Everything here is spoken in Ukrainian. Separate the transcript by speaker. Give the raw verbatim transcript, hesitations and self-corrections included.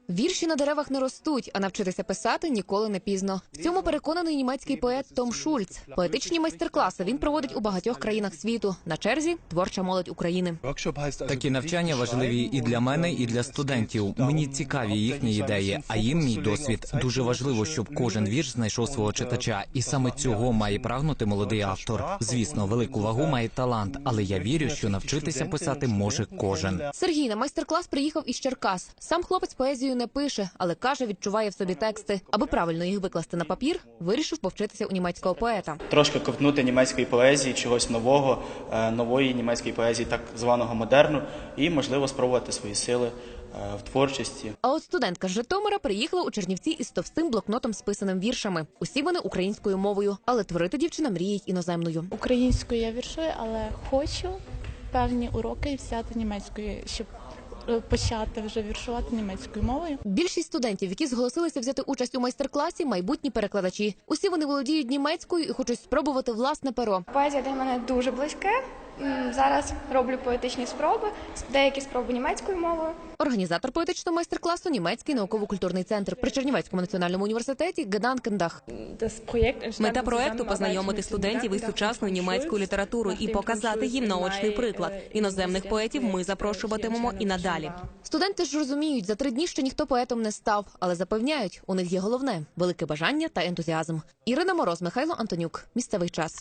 Speaker 1: Вірші на деревах не ростуть, а навчитися писати ніколи не пізно. В цьому переконаний німецький поет Том Шульц. Поетичні майстер-класи він проводить у багатьох країнах світу. На черзі – творча молодь України.
Speaker 2: Такі навчання важливі і для мене, і для студентів. Мені цікаві їхні ідеї, а їм мій досвід. Дуже важливо, щоб кожен вірш знайшов свого читача. І саме цього має прагнути молодий автор. Звісно, велику вагу має талант, але я вірю, що навчитися писати може кожен.
Speaker 1: Сергій на майстер-клас приїхав із Черкас. Сам хлопець поезію не пише, але каже, відчуває в собі тексти. Аби правильно їх викласти на папір, вирішив повчитися у німецького поета.
Speaker 3: Трошки ковтнути німецької поезії, чогось нового, нової німецької поезії, так званого модерну, і, можливо, спробувати свої сили в творчості.
Speaker 1: А от студентка з Житомира приїхала у Чернівці із товстим блокнотом з писаним віршами. Усі вони українською мовою, але творити дівчина мріє іноземною.
Speaker 4: Українською я віршую, але хочу певні уроки взяти німецькою, щоб почати вже віршувати німецькою мовою.
Speaker 1: Більшість студентів, які зголосилися взяти участь у майстер-класі, майбутні перекладачі. Усі вони володіють німецькою і хочуть спробувати власне перо.
Speaker 5: Поезія для мене дуже близьке. Зараз роблю поетичні спроби, деякі спроби німецькою мовою.
Speaker 1: Організатор поетичного майстер-класу – Німецький науково-культурний центр при Чернівецькому національному університеті Геданкендах.
Speaker 6: Мета проекту – познайомити студентів із сучасною німецькою літературою і показати їм наочний приклад. Іноземних поетів ми запрошуватимемо і надалі.
Speaker 1: Студенти ж розуміють, за три дні ще ніхто поетом не став, але запевняють, у них є головне – велике бажання та ентузіазм. Ірина Мороз, Михайло Антонюк. Місцевий час.